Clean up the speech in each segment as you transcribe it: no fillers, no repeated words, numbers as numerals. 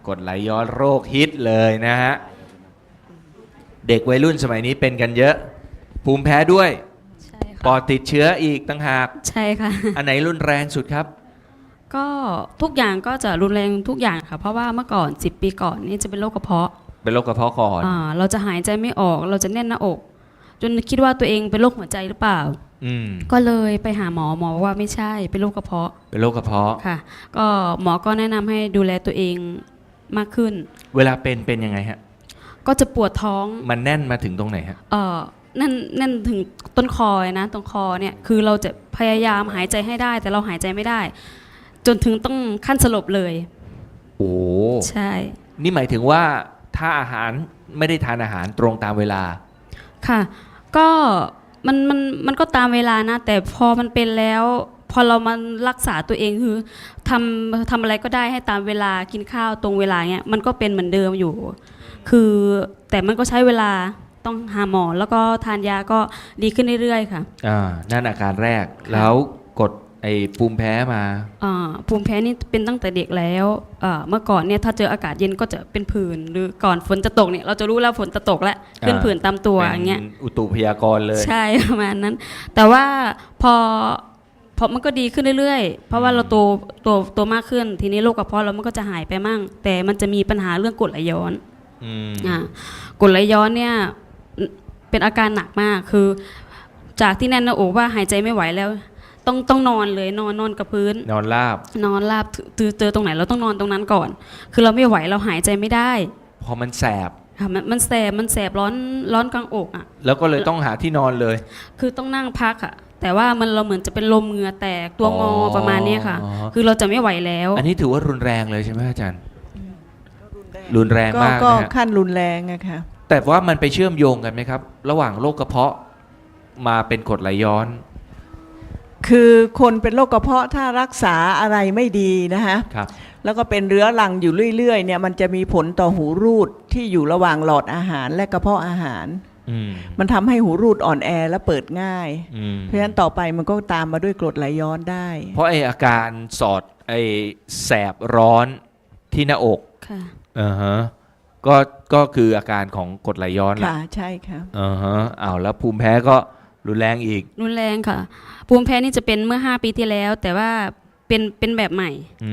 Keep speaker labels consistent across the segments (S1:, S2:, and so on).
S1: กรดไหลย้อนโรคฮิตเลยนะฮะเด็กวัยรุ่นสมัยนี้เป็นกันเยอะภูมิแพ้ด้วย
S2: ใช่
S1: ปอ
S2: ค่ะ
S1: ดติดเชื้ออีกต่างหาก
S2: ใช่ค่ะ
S1: อันไหนรุนแรงสุดครับ
S2: ก็ทุกอย่างก็จะรุนแรงทุกอย่างค่ะเพราะว่าเมื่อก่อน10 ปีก่อนนี่จะเป็นโรคกระเพาะ
S1: เป็นโรคกระเพาะก่อน
S2: เราจะหายใจไม่ออกเราจะแน่นหน้าอก จนคิดว่าตัวเองเป็นโรคหัวใจหรือเปล่าก็เลยไปหาหมอบอกว่าไม่ใช่เป็นโรคกระเพาะ
S1: เป็นโรคกระเพาะ
S2: ค่ะก็หมอก็แนะนำให้ดูแลตัวเองมากขึ้น
S1: เวลาเป็นยังไงฮะ
S2: ก็จะปวดท้อง
S1: มันแน่นมาถึงตรงไหนฮะ
S2: นั่นถึงต้นคอนะตรงคอเนี่ยคือเราจะพยายามหายใจให้ได้แต่เราหายใจไม่ได้จนถึงต้องขั้นสลบเลย
S1: โอ้
S2: ใช่
S1: นี่หมายถึงว่าถ้าอาหารไม่ได้ทานอาหารตรงตามเวลา
S2: ค่ะก็มันก็ตามเวลานะแต่พอมันเป็นแล้วพอเรามารักษาตัวเองคือทำอะไรก็ได้ให้ตามเวลากินข้าวตรงเวลาเนี้ยมันก็เป็นเหมือนเดิมอยู่คือแต่มันก็ใช้เวลาต้องหาหมอแล้วก็ทานยาก็ดีขึ้นเรื่อยๆค่ะ
S1: นั่นอาการแรกแล้วกดไอ้ภูมิแพ้มา
S2: ภูมิแพ้นี่เป็นตั้งแต่เด็กแล้วเมื่อก่อนเนี่ยถ้าเจออากาศเย็นก็จะเป็นผื่นหรือก่อนฝนจะตกเนี่ยเราจะรู้แล้วฝนจะตกแล้วขึ้นผื่นตามตัวอย่างเงี้ย
S1: อุตุพยากรณ์เลย
S2: ใช่ประมาณนั้นแต่ว่าพอมันก็ดีขึ้นเรื่อยๆเพราะว่าเราโตมากขึ้นทีนี้โรคกระเพาะเรามันก็จะหายไปมั่งแต่มันจะมีปัญหาเรื่องกรดไหลย้อนกรดไหลย้อนเนี่ยเป็นอาการหนักมากคือจากที่แน่นหน้าอกว่าหายใจไม่ไหวแล้วต้องนอนเลยนอนกับพื้น
S1: นอนราบ
S2: เจอตรงไหนเราต้องนอนตรงนั้นก่อนคือเราไม่ไหวเราหายใจไม่ได้
S1: พอมันแสบ
S2: ค่ะมันแสบร้อนกลางอกอ่ะ
S1: แล้วก็เลยต้องหาที่นอนเลย
S2: คือต้องนั่งพักอ่ะแต่ว่าเราเหมือนจะเป็นลมเหงื่อแตกตัวงอประมาณนี้ค่ะคือเราจะไม่ไหวแล้ว
S1: อันนี้ถือว่ารุนแรงเลยใช่ไหมอาจารย์รุนแรงมาก
S3: ก็ขั้นรุนแรงอะค่ะ
S1: แต่ว่ามันไปเชื่อมโยงกันไหมครับระหว่างโรคกระเพาะมาเป็นกรดไหลย้อน
S3: คือคนเป็นโรคกระเพาะถ้ารักษาอะไรไม่ดีนะฮะแล้วก็เป็นเรื้อรังอยู่เรื่อยๆเนี่ยมันจะมีผลต่อหูรูดที่อยู่ระหว่างหลอดอาหารและกระเพาะอาหารมันทำให้หูรูดอ่อนแอและเปิดง่ายเพราะฉะนั้นต่อไปมันก็ตามมาด้วยกรดไหลย้อนได้
S1: เพราะไออาการสอดไอแสบร้อนที่หน้าอก
S2: ค่ะ
S1: ก็คืออาการของกรดไหลย้อนแหละ
S3: ค่ะใช่ค่ะ
S1: แล้วภูมิแพ้ก็รุนแรงอีก
S2: รุนแรงค่ะภูมิแพ้นี่จะเป็นเมื่อ5 ปีที่แล้วแต่ว่าเป็นแบบใหม่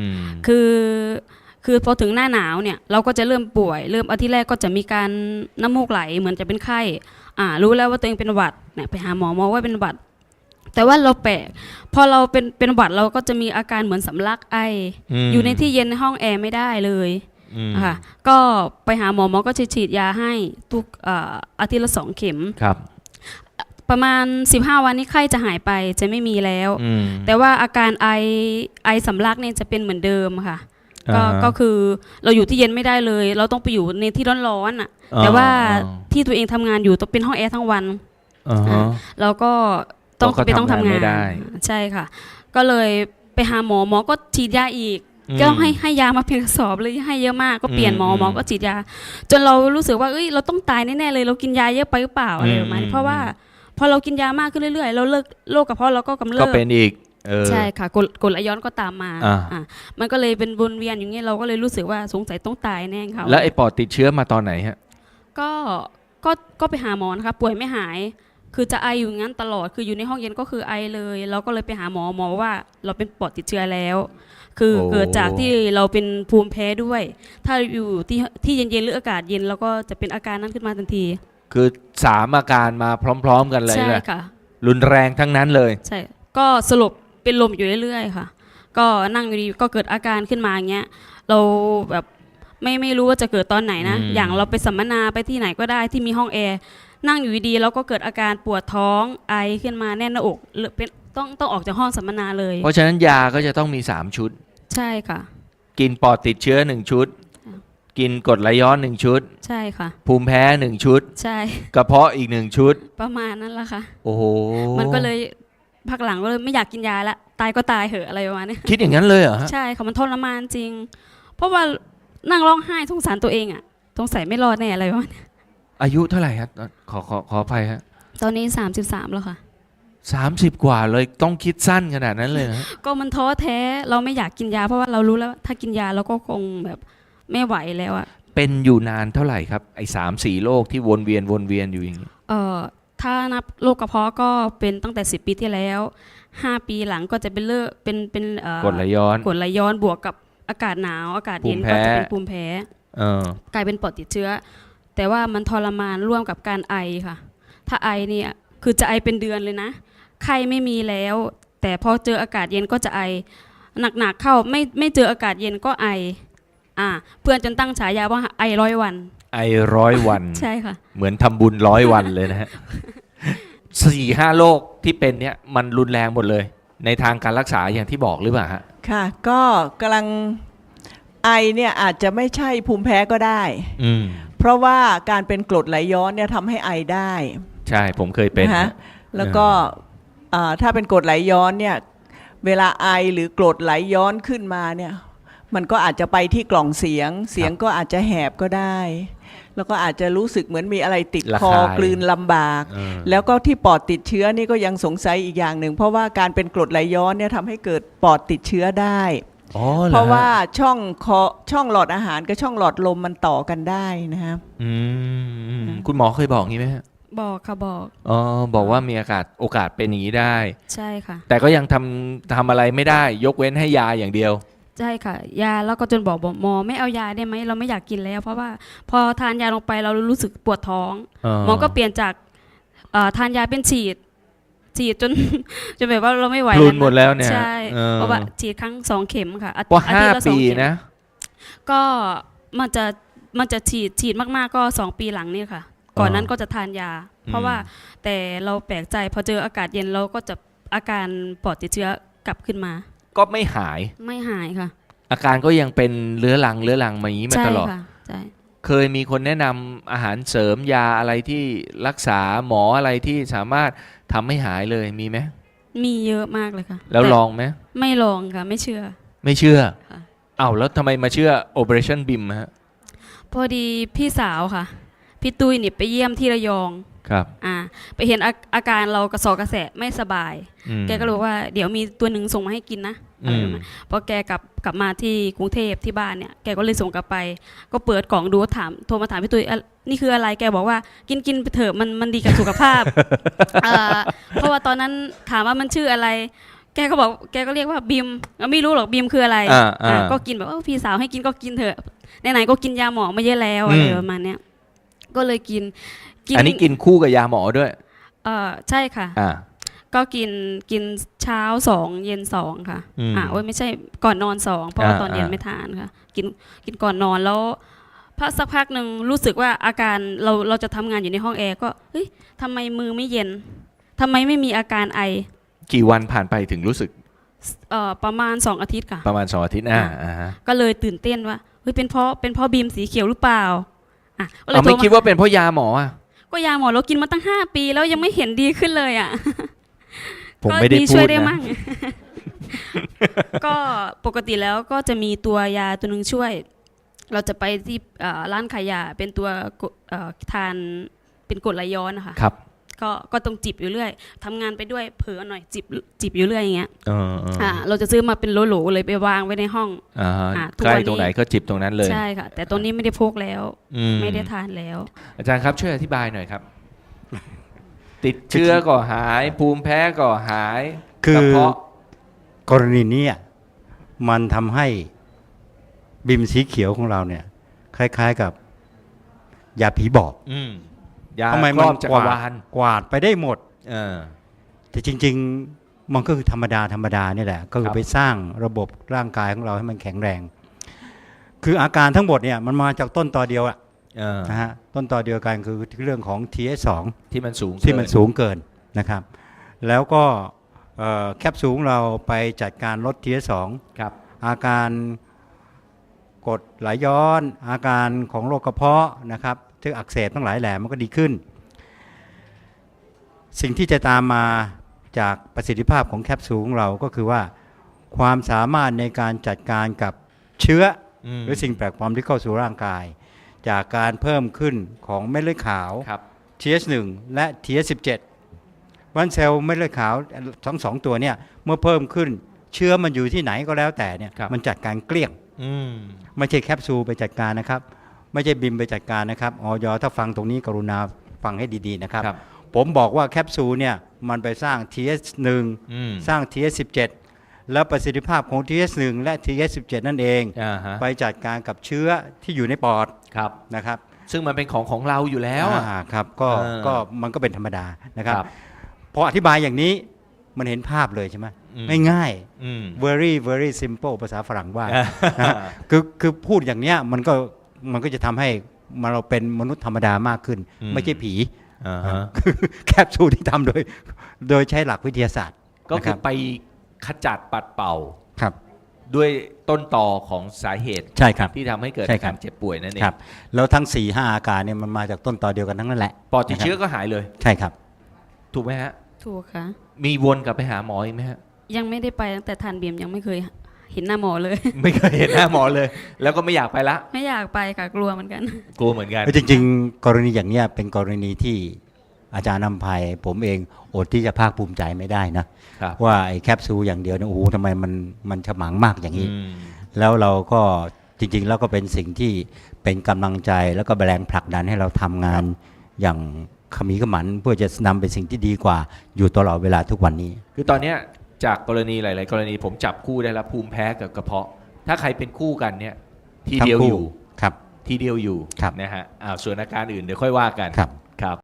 S2: คือพอถึงหน้าหนาวเนี่ยเราก็จะเริ่มป่วยเริ่มอาทิตย์แรกก็จะมีการน้ำมูกไหลเหมือนจะเป็นไข้รู้แล้วว่าตัวเองเป็นหวัดเนี่ยไปหาหมอว่าเป็นหวัดแต่ว่าเราแปลกพอเราเป็นหวัดเราก็จะมีอาการเหมือนสำลักไออยู่ในที่เย็นในห้องแอร์ไม่ได้เลยค่ะก็ไปหาหมอก็ฉีดยาให้ทุกอาทิตย์ละ2 เข็ม
S1: ครับ
S2: ประมาณ15 วันนี้ไข้จะหายไปจะไม่มีแล้วแต่ว่าอาการไอสำลักเนี่ยจะเป็นเหมือนเดิมค่ะก็คือเราอยู่ที่เย็นไม่ได้เลยเราต้องไปอยู่ในที่ร้อนๆอ่ะแต่ว่าที่ตัวเองทำงานอยู่ต้องเป็นห้องแอร์ทั้งวันเราก็ต้องทำงานใช่ค่ะก็เลยไปหาหมอก็ฉีดยาอีกก็ต้องให้ยามาเพียงกระสอบเลยให้เยอะมากก็เปลี่ยนหมอก็ฉีดยาจนเรารู้สึกว่าเอ้ยเราต้องตายแน่ๆเลยเรากินยาเยอะไปหรือเปล่าอะไรประมาณนี้เพราะว่าพอเรากินยามากขึ้นเรื่อยๆเราเลิกโรคกระเพาะเราก็กำเริบ
S1: ก็เป็นอีก
S2: ใช่ค่ะกรดไหลย้อนก็ตามมามันก็เลยเป็นวนเวียนอย่างเงี้ยเราก็เลยรู้สึกว่าสงสัยต้องตายแน่ค่ะ
S1: แล้วไอ้ปอดติดเชื้อมาตอนไหนฮะ
S2: ก็ไปหาหมอนะคะป่วยไม่หายคือจะไออยู่งั้นตลอดคืออยู่ในห้องเย็นก็คือไอเลยเราก็เลยไปหาหมอว่าเราเป็นปอดติดเชื้อแล้วคือเกิดจากที่เราเป็นภูมิแพ้ด้วยถ้าอยู่ที่เย็นๆหรืออากาศเย็นเราก็จะเป็นอาการนั้นขึ้นมาทันที
S1: คือ3 อาการมาพร้อมๆกันเลย
S2: ใช่ค่ะ
S1: รุนแรงทั้งนั้นเลย
S2: ใช่ก็สลบเป็นลมอยู่เรื่อยๆค่ะก็นั่งอยู่ดีก็เกิดอาการขึ้นมาอย่างเงี้ยเราแบบไม่รู้ว่าจะเกิดตอนไหนนะอย่างเราไปสัมมนาไปที่ไหนก็ได้ที่มีห้องแอร์นั่งอยู่ดีแล้วก็เกิดอาการปวดท้องไอขึ้นมาแน่นหน้าอกหรือเป็นต้องออกจากห้องสัมมนาเลย
S1: เพราะฉะนั้นยาก็จะต้องมี3 ชุด
S2: ใช่ค่ะ
S1: กินปอดติดเชื้อ1 ชุดกินกรดไหลย้อน1 ชุด
S2: ใช่ค่ะ
S1: ภูมิแพ้1 ชุด
S2: ใช่
S1: กระเพาะอีก1 ชุด
S2: ประมาณนั้นแหละค่ะ
S1: โอ้โห
S2: มันก็เลยพักหลังก็เลยไม่อยากกินยาละตายก็ตายเหอะอะไรประมาณนี้
S1: คิดอย่างนั้นเลยเหรอ
S2: ใช่ค่ะมันทรมานจริงเพราะว่านั่งร้องไห้สงสารตัวเองอ่ะสงสัยไม่รอดแน่อะไรประมาณนี้
S1: อายุเท่าไหร่ครับขออภัยฮะ
S2: ตอนนี้33แล้วค่ะ
S1: 30 กว่าเลยต้องคิดสั้นขนาดนั้นเลยนะ
S2: ก็มันท้อแท้เราไม่อยากกินยาเพราะว่าเรารู้แล้วถ้ากินยาเราก็คงแบบไม่ไหวแล้วอะ
S1: เป็นอยู่นานเท่าไหร่ครับไอ้3-4โรคที่วนเวียนอยู่อย่างนี้
S2: ถ้านับโรคกระเพาะก็เป็นตั้งแต่10 ปีที่แล้ว5 ปีหลังก็จะเป็นเป็น
S1: กรดไหลย้อน
S2: กรดไหลย้อนบวกกับอากาศหนาวอากาศเย็น
S1: ภูมิแพ้
S2: ก็จะเป็นภูมิแพ้กลายเป็นปอดติดเชื้อแต่ว่ามันทรมานร่วมกับการไอค่ะถ้าไอเนี่ยคือจะไอเป็นเดือนเลยนะไข้ไม่มีแล้วแต่พอเจออากาศเย็นก็จะไอหนักๆเข้าไม่เจออากาศเย็นก็ไอเพื่อนจนตั้งฉายาว่าไอ100 วัน
S1: ไอ100 วัน
S2: ใช่ค่ะ
S1: เหมือนทำบุญ100 วันเลยนะฮะ 4-5 โรคที่เป็นเนี่ยมันรุนแรงหมดเลยในทางการรักษาอย่างที่บอกหรือเปล่าฮะ
S3: ค่ะก็กำลังไอเนี่ยอาจจะไม่ใช่ภูมิแพ้ก็ได้เพราะว่าการเป็นกรดไหลย้อนเนี่ยทำให้ไอได้
S1: ใช่ผมเคยเป็น
S3: นะแล้วก็ถ้าเป็นกรดไหลย้อนเนี่ยเวลาไอหรือกรดไหลย้อนขึ้นมาเนี่ยมันก็อาจจะไปที่กล่องเสียงก็อาจจะแหบก็ได้แล้วก็อาจจะรู้สึกเหมือนมีอะไรติดคอกลืนลำบากแล้วก็ที่ปอดติดเชื้อนี่ก็ยังสงสัยอีกอย่างหนึ่งเพราะว่าการเป็นกรดไหลย้อนเนี่ยทำให้เกิดปอดติดเชื้อได้เพราะว่าช่องหลอดอาหารกับช่องหลอดลมมันต่อกันได้นะครับ
S1: คุณหมอเคยบอกงี้ไหม
S2: บอกค่ะ
S1: บอกว่ามีโอกาสเป็นอย่างนี้ได้
S2: ใช่ค่ะ
S1: แต่ก็ยังทำอะไรไม่ได้ยกเว้นให้ยาอย่างเดียว
S2: ใช่ค่ะยาแล้วก็จนบอกหมอไม่เอายาได้ไหมเราไม่อยากกินแล้วเพราะว่าพอทานยาลงไปเรารู้สึกปวดท้องหมอก็เปลี่ยนจากทานยาเป็นฉีดจนแบบว่าเราไม่ไหว
S1: พลุนหมดแล้วเนี่ย
S2: ใช่เพราะว่าฉีดครั้ง2 เข็มค่ะ
S1: ว่า5 ปีนะ
S2: ก็มันจะฉีดมากๆก็2 ปีหลังนี่ค่ะก่อนนั้นก็จะทานยาเพราะว่าแต่เราแปลกใจพอเจออากาศเย็นเราก็จะอาการปอดติดเชื้อกลับขึ้นมา
S1: ก็ไม่หาย
S2: ค่ะ
S1: อาการก็ยังเป็นเรื้อรังมาอย่างนี้มาตลอด
S2: ใช่
S1: เคยมีคนแนะนำอาหารเสริมยาอะไรที่รักษาหมออะไรที่สามารถทำให้หายเลยมีไหม
S2: มีเยอะมากเลยค่ะ
S1: แล้วลองไหม
S2: ไม่ลองค่ะไม่เชื่อ
S1: ค่ะแล้วทำไมมาเชื่อ Operation BIM ฮะ
S2: พอดีพี่สาวค่ะพี่ตุ้ยนี่ไปเยี่ยมที่ระยอง
S1: ครับ
S2: ไปเห็นอาการเรากระสอบกระแสะไม่สบายแกก็รู้ว่าเดี๋ยวมีตัวหนึ่งส่งมาให้กินนะพอแกกลับมาที่กรุงเทพที่บ้านเนี่ยแกก็เลยส่งกลับไปก็เปิดกล่องดูโทรมาถามพี่ตุ้ยนี่คืออะไรแกบอกว่ากินไปเถอะมันดีกับสุขภาพ เพราะว่าตอนนั้นถามว่ามันชื่ออะไรแกก็เรียกว่าบิมไม่รู้หรอกบิมคืออะไรก็กินแบบพี่สาวให้กินก็กินเถอะไหนๆก็กินยาหมอมาเยอะแล้วอะไรประมาณเนี้ยก็เลยกิน
S1: อันนี้กินคู่กับยาหมอด้วย
S2: ใช่ค่ะก็กินเช้า2เย็น2ค่ะไม่ใช่ก่อนนอน2เพราะว่าตอนเย็นไม่ทานค่ะกินก่อนนอนแล้วสักพักหนึ่งรู้สึกว่าอาการเราจะทำงานอยู่ในห้องแอร์ก็เฮ้ยทำไมมือไม่เย็นทำไมไม่มีอาการไอ
S1: กี่วันผ่านไปถึงรู้สึก
S2: ประมาณ2 อาทิตย์ค่ะ
S1: ประมาณ2 อาทิตย์
S2: ก็เลยตื่นเต้นว่าเฮ้ยเป็นเพราะบีมสีเขียวหรือเปล่า
S1: ไม่คิดว่าเป็นเพราะยาหมอ
S2: ก็ยาหมอเรากินมาตั้ง5 ปีแล้วยังไม่เห็นดีขึ้นเลย
S1: ผมไม่ได้พูดนะ
S2: ก็ปกติแล้วก็จะมีตัวยาตัวนึงช่วยเราจะไปที่ร้านขายยาเป็นตัวทานเป็นกรดไหลย้อนนะคะ
S1: ครับ
S2: ก็ต้องจิบอยู่เรื่อยทำงานไปด้วยเผลอหน่อยจิบอยู่เรื่อยอย่างเงี้ยเราจะซื้อมาเป็นโหลๆเลยไปวางไว้ในห้อง
S1: ใกล้ตรงไหนก็จิบตรงนั้นเลย
S2: ใช่ค่ะแต่ตรงนี้ไม่ได้พกแล้วไม่ได้ทานแล้ว
S1: อาจารย์ครับช่วยอธิบายหน่อยครับติดเชื้อก็หายภูมิแพ้ก็หาย
S4: คือกรณีนี้มันทำให้บิมสีเขียวของเราเนี่ยคล้ายๆกับยาผีบอกทำไมมันกวาดไปได้หมดแต่จริงๆมันก็คือธรรมดานี่แหละก็คือไปสร้างระบบร่างกายของเราให้มันแข็งแรงคืออาการทั้งหมดเนี่ยมันมาจากต้นตอเดียวนะฮะต้นตอเดียวกันคือเรื่องของ TH2
S1: ที่มัน
S4: สูงเกินนะครับแล้วก็แคปซูลเราไปจัดการลด TH2
S1: ครับ
S4: อาการกรดไหลย้อนอาการของโรคกระเพาะนะครับที่อักเสบทั้งหลายแหล่มันก็ดีขึ้นสิ่งที่จะตามมาจากประสิทธิภาพของแคปซูลของเราก็คือว่าความสามารถในการจัดการกับเชื้อหรือสิ่งแปลกปลอมที่เข้าสู่ร่างกายจากการเพิ่มขึ้นของเม็ดเลือดขาว TH1 และ TH17 วันเซลล์เม็ดเลือดขาวทั้ง2 ตัวเนี่ยเมื่อเพิ่มขึ้นเชื้อมันอยู่ที่ไหนก็แล้วแต่เนี่ยมันจัดการเกลี้ยง
S1: อืม
S4: ไม่ใช่แคปซูลไปจัดการนะครับ ไม่ใช่บิมไปจัดการนะครับออยถ้าฟังตรงนี้กรุณาฟังให้ดีๆนะครับ
S1: ครับ
S4: ผมบอกว่าแคปซูลเนี่ยมันไปสร้าง TH1
S1: อืม
S4: สร้าง TH17 แล้วประสิทธิภาพของ TH1 และ TH17 นั่นเอง
S1: อ่าฮะ
S4: ไปจัดการกับเชื้อที่อยู่ในปอด
S1: ครับ
S4: นะครับ
S1: ซึ่งมันเป็นของเราอยู่แล้วอะ
S4: ครับก็
S1: เออ
S4: ก็มันก็เป็นธรรมดานะครับ
S1: ครับ
S4: พออธิบายอย่างนี้มันเห็นภาพเลยใช่ไหม
S1: อืม
S4: ง่าย
S1: อืม
S4: very very simple ภาษาฝรั่งว่า นะฮะคือพูดอย่างเนี้ยมันก็จะทำให้เราเป็นมนุษย์ธรรมดามากขึ้น
S1: อืม
S4: ไม่ใช่ผี
S1: อ่าฮะ
S4: แคปซูลที่ทำโดยใช้หลักวิทยาศาสตร์
S1: ก็คือ
S4: นะ
S1: ไปขจัดปัดเป่า
S4: ครับ
S1: ด้วยต้นตอของสาเหตุ
S4: ใช่ครับ
S1: ที่ทำให้เกิด
S4: ใช่
S1: อา
S4: ครั
S1: กา
S4: บ
S1: รเจ็บป่วยนั่นเอง
S4: ครับแล้วทั้ง 4-5 อาการเนี่ยมันมาจากต้นตอเดียวกันทั้งนั้นแหละ
S1: ปอดติดเชื้อ
S4: นะครับ
S1: ก็หายเลย
S4: ใช่ครับ
S1: ถูกไหมฮะ
S2: ถูกค่ะ
S1: มีวนกลับไปหาหมออีกไหมฮะ
S2: ยังไม่ได้ไปตั้งแต่ทานเบียมยังไม่เคยเห็นหน้าหมอเลย
S1: ไม่เคยเห็นหน้าหมอเลย แล้วก็ไม่อยากไปละ
S2: ไม่อยากไปค่ะกลัวเหมือนกัน
S1: กลัวเหมือนกัน
S4: จริงๆ กรณีอย่างเนี้ยเป็นกรณีที่อาจารย์นำภัยผมเองอดที่จะภาคภูมิใจไม่ได้นะครับ ว่าไอ้แคปซูลอย่างเดียวเนี่ยโอ้โหทำไมมันฉมังมากอย่างนี้
S1: อืม
S4: แล้วเราก็จริงๆ แล้วก็เป็นสิ่งที่เป็นกำลังใจแล้วก็แรงผลักดันให้เราทำงานอย่างขมีขมันเพื่อจะนำเป็นสิ่งที่ดีกว่าอยู่ตลอดเวลาทุกวันนี้
S1: คือตอนเนี้ยจากกรณีหลาย ๆ กรณีผมจับคู่ได้แล้วภูมิแพ้กับกระเพาะ ถ้าใครเป็นคู่กันเนี่ยทีเดียว
S4: ทั้งคู่
S1: อยู่
S4: ครับ
S1: ทีเดียวอยู่
S4: ครับ
S1: นะฮะส่วนอาการอื่นเดี๋ยวค่อยว่ากัน
S4: ครับ
S1: ครับ